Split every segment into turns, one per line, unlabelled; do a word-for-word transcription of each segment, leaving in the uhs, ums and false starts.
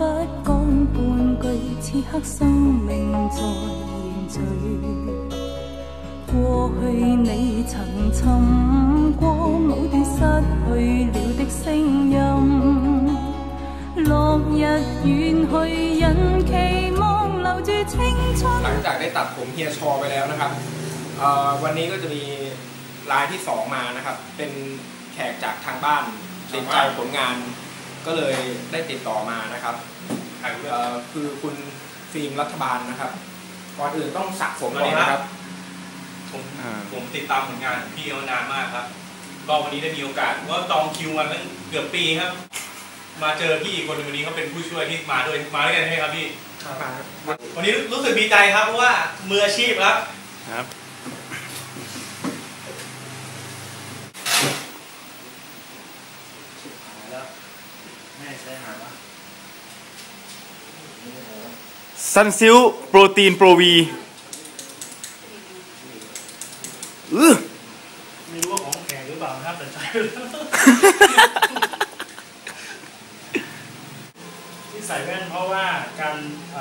不講半句，此刻生命在凝聚。過去你曾尋過某段失去了的聲音，落日遠去，人期望留住青春。หลังจากได้ตัดผมเฮียชอไปแล้วนะครับวันนี้ก็จะมีรายที่สองมานะครับเป็นแขกจากทางบ้านติดใจผลงานก็เลยได้ติดต่อมานะครับคือคุณฟิล์มรัฐบาลนะครับก่อนอื่นต้องสระผมก่อนนะครับผมผมติดตามผลงานพี่มานานมากครับก็วันนี้ได้มีโอกาสว่าจองคิวมาตั้งเกือบปีครับมาเจอพี่อีกคนวันนี้เขาเป็นผู้ช่วยที่มาด้วยมาด้วยกันใช่ไหมครับพี่วันนี้รู้สึกดีใจครับเพราะว่ามืออาชีพครับครับ
ซันซิลโปรตีนโปรวีอือ
ไม่รู้ว่าของแข็งหรือเปล่าครับแต่ใช้ที่ใส่แว่นเพราะว่าการ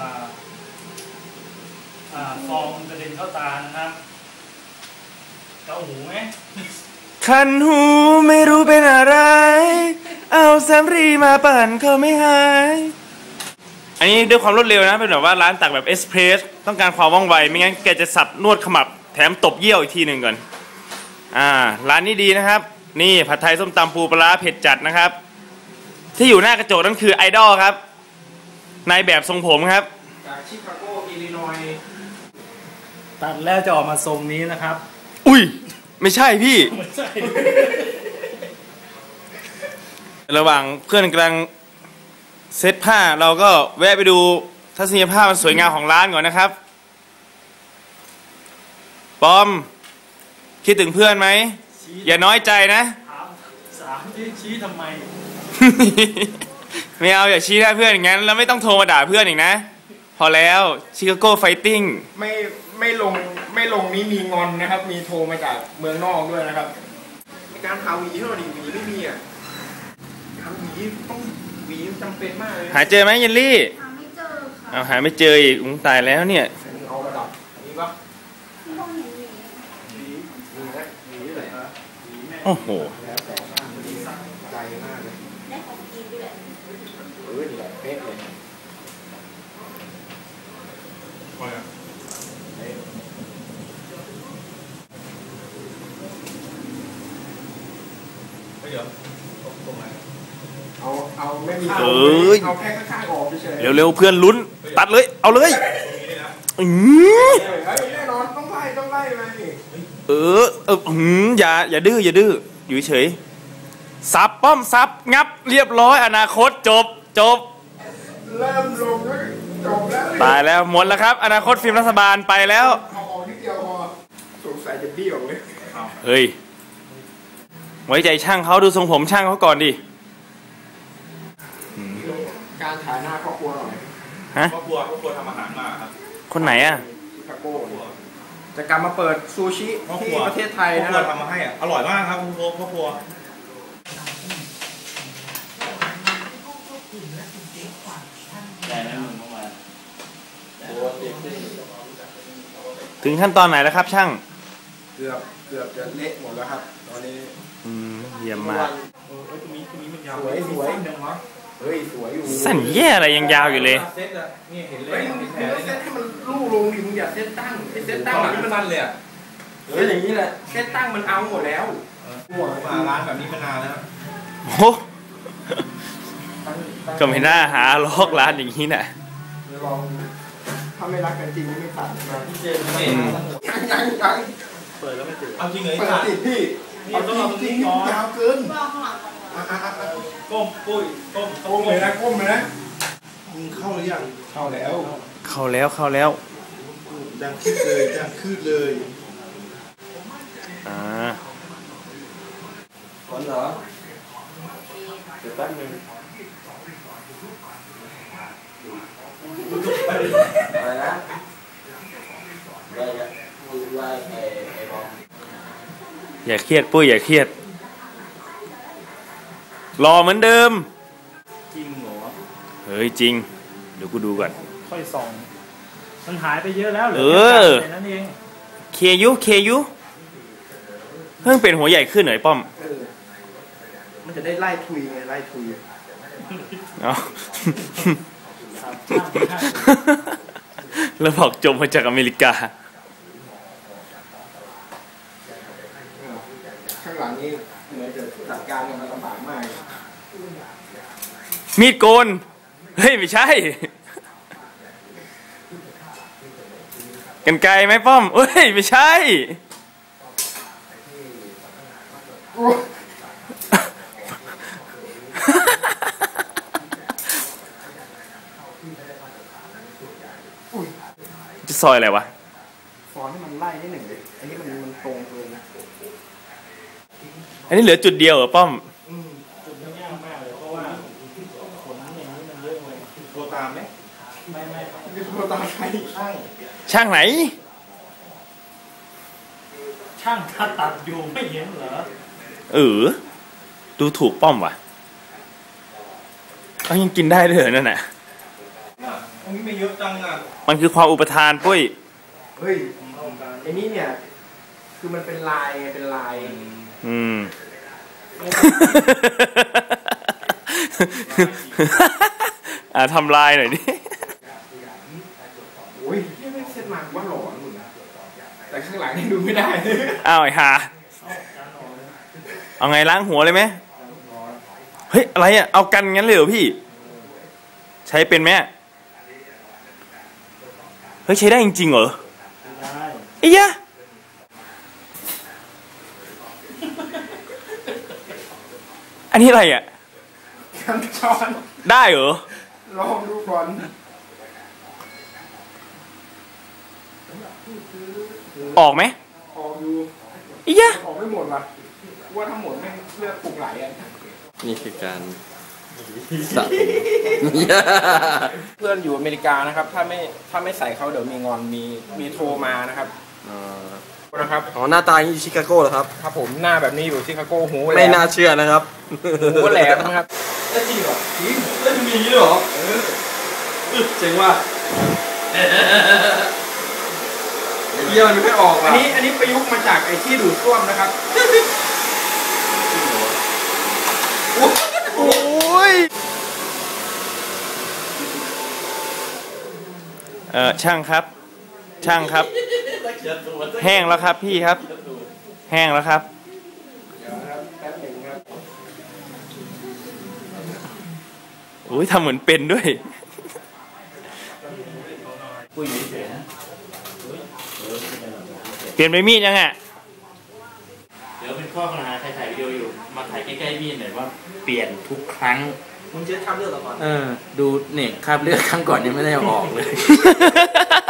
ฟองกระเด็นเข้าตานะครับเกาหูไหม
คันหูไม่รู้เป็นอะไรเอาแซมรีมาปั่นเขาไม่หายอันนี้ด้วยความรวดเร็วนะเป็นแบบว่าร้านตักแบบเอสเพรสต้องการความว่องไวไม่งั้นแกจะสับนวดขมับแถมตบเยี่ยวอีกทีหนึ่งก่อนอ่าร้านนี้ดีนะครับนี่ผัดไทยส้มตำปูปลาเผ็ดจัดนะครับที่อยู่หน้ากระจกนั่นคือไอดอลครับนายแบบทรงผมครับ
จากชิคาโกอิลลินอยส์
ตัดแล้วจะออกมาทรงนี้นะครับ
อุ้ยไม่ใช่พี่ไม่ใช่ระหว่างเพื่อนกำลังเซตผ้าเราก็แวะไปดูทัศนียภาพมันสวยงามของร้านก่อนนะครับปอมคิดถึงเพื่อนไหมอย่าน้อยใจนะ
ถามสามที่ชี้ทำไม
ไม่เอาอย่าชี้หน้าเพื่อนอย่างนั้นแล้วไม่ต้องโทรมาด่าเพื่อนอีกนะพอแล้วชิคาโกไฟติ้ง
ไม่ไม่ลงไม่ลงนี้มีงอนนะครับมีโทรมาจากเมืองนอกด้วยนะครับในการหาหวีเท่านี้หวีไม่มีอ่ะหาหวีต้องหวีจำเป็นมากเลย
หาเจอไหมเยลลี่
หาไม่เจอค่ะ
เอาหาไม่เจออีกอุ้งตายแล้วเนี่ย
เอาระดับนี้ปะ
โอ้โห
ใจมากเลยได้ของกินด้วยเออนี่แหละเป๊ะเลยเดี๋ยวตรงไหนเอาเอาไม่มีเอาแค่ข้างๆออกเฉย
ๆเร็วๆเพื่อนลุ้นตัดเลยเอาเลยอือ
แน่นอนต้องไล่ต้องไล่ไป
เออเออหืมอย่าอย่าดื้ออย่าดื้ออยู่เฉยซับป้อมซับงับเรียบร้อยอนาคตจบจบ
เริ่มลงแล้วจบแล้ว
ตายแล้วหมดแล้วครับอนาคตฟิล์มรัฐบาลไปแล้ว
เอาออกนิดเดียวพอสงสัยจะเบี้ยวเลย
เฮ้ยไว้ใจช่างเขาดูทรงผมช่างเขาก่อนดิ
การถ่ายหน้าครอบครัวหน่อย
ฮะ
ครอบครัวครอบครัวทำอาหารมาครับ
คนไหนอ่ะ
ชิคาโกจะกลับมาเปิดซูชิที่ประเทศไทยนะครั
บทำมาให้อ่ะอร่อยมากครับคุณพ่อครอบครัว
ถึงขั้นตอนไหนแล้วครับช่าง
เกือบเกือบจะเละหมดแล้วครับตอนนี้
อืมเยี่ยมมาก
สวยสวยเฮ้ยสวยอยู่
สั้นแย่อะไรยังยาวอยู่เลย
เซตอะนี่เห็นเลยเซตให้มันลู่ลงดิมึงอย่าเซตตั้งไอเซตตั้งนี่มันสั้นเลยอะเฮ้ยอย่างนี้แหละเซตตั้งมันเอาหมดแล้วหมดมาร้านแบบนี้มานานแล้ว
โอ้ก็ไม่น่าหาล็อกร้านอย่างนี้น่ะ
ลองถ้าไม่รักกันจริงไม่ตัดมาพี่เจมส์ยังยังยัง
เปิดแล้วไม่ติด
เอาจริงเลยเปิดติดพี่เอาจริงจริงยาวเกินก้มปุ้ยก้มก้มเลยนะก้มเลยนะมึงเข้าหรือยังเข้าแล้ว
เข้าแล้วเข้าแล้ว
ดังขึ้นเลยดังขึ้นเลย
อ่า
ก่อนเหรอเดี๋ยวแป๊บนึงอะไรนะอะไรนะไล่ไอ้ไอ้บอม
อย่าเครียดปุ้ยอย่าเครียดรอเหมือนเดิม
จริงเหรอ
เเฮ้ยจริงเดี๋ยวกูดูก่อน
ค่อยส่องมันหายไปเยอะแล้วเหลื
เอ
อ
อ
แค่นั้นเอง
เคยุเคยุเพิ่งเป็นหัวใหญ่ขึ้นหน่อยป้อม
มันจะได้ไล่ทุยไงไล่ทุย
อ๋อแล้วบอกจมมาจากอเมริกา
ข้างหลังนี้เหมือนจะจัดการมันลำบากมาก
มีดโกนเฮ้ยไม่ใช่กันไกลไหมป้อมเอ้ยไม่ใช่จะซอยอะไรวะ
ฟอนให้มันไล่นิดหนึ่งเลยอันนี้มันมันตรงเกินนะ
อันนี้เหลือจุดเดียวเหรอป้อม
จุดนี้ยากมากเลยเพราะว่าขนอย่างนี้มันเยอะเลย
โทรตามไหม
ไม่ไม่
ไม่โทรตามใครช่าง
ช่างไหน
ช่างถ้าตัดอยู่ไม่เห็นเหรอ
เออดูถูกป้อมว่ะเขายังกินได้ด้วยเหรอนั่นน่ะ
อันนี้ไม่เยอะจังอ่ะ
มันคือความอุปทานปุ้ย
เฮ้ยไอ้นี่เนี่ยคือมันเป็นลายไงเป็นลาย
อืมอ่าทำลายหน่อยดิ
โอ้ยไม่เซ็ตมาว่าหลอนแต่ข้างหลังนี่ดูไม่ได้
อ้าวไอ้ห่าเอาไงล้างหัวเลยไหมเฮ้ยอะไรอ่ะเอากันงั้นเลยเหรอพี่ใช้เป็นไหมเฮ้ยใช้ได้จริงๆเหรอ
ได้
ไอ้ยะอันนี้อะไรอ่ะ
กันช้อน
ได้เหรอ
ลองดูก่อน
ออกไหม
ออกอยู่
อียะ
ออกไม่หมดว่ะว่าทั้งหมดแม่งเลือดปรุงไหลอ่ะ
นี่คือการสะผม
เพื่อนอยู่อเมริกานะครับถ้าไม่ถ้าไม่ใส่เขาเดี๋ยวมีงอนมีมีโทรมานะครับนะครับ
อ๋อหน้าตาอยู่ชิคาโก้เหรอครับ
ครับผมหน้าแบบนี้อยู่ชิคาโก้หูแหลม
ไม่น่าเชื่อนะครับ
หูแหลมนะครับแล้วจริงเหรอจริงแล้วมีอย่างนี้เหรอเจ๋งว่ะเยี่ยมมันไม่ออกอันนี้อันนี้ประยุกต์มาจากไอ้ที่ดูดซ่วมนะครับ
โอ้ยเออช่างครับช่างครับแห้งแล้วครับพี่ครับแห้งแล้วครับโอ้ยทำเหมือนเป็นด้วยเปลี่ยนไปมีดยังอ่ะ
เดี๋ยวเป็นข้อปัญหาใครถ่ายวิดีโออยู่มาถ่ายใกล้ๆมีดหน่อยว่าเปลี่ยนทุกครั้ง
มึงเช็ดคราบเลือดก่อน
เออดูเนี่ยคราบเลือดครั้งก่อนยังไม่ได้ออกเลย